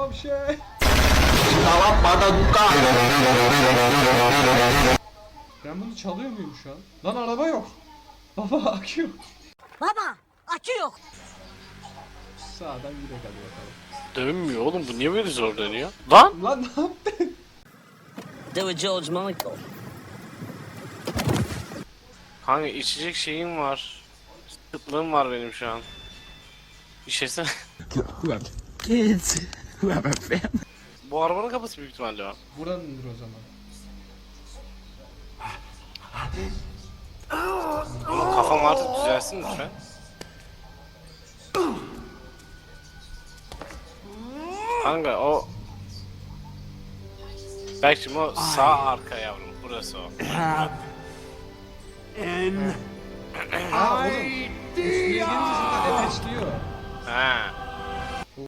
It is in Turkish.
Tamam şey. Ben bunu çalıyor muyum şu an? Lan araba yok. Baba akü yok. Baba, akü yok. Sağdan gidelim hadi bakalım. Dönmüyor oğlum, bu niye böyle zor dönüyor? Lan! Lan ne yaptın? Do it George Michael. Kanka içecek şeyim var. Kıtlığım var benim şu an. İşesene. Kids who have a family. Bu arabanın kapısı büyük ihtimalle o. Buranındır o zaman. Oğlum kafam artık düzelsin lütfen. Kanka o... Belki o sağ arka yavrum. Burası o. Ha oğlum. Üstüne gelince zaten ateşliyor. Ha.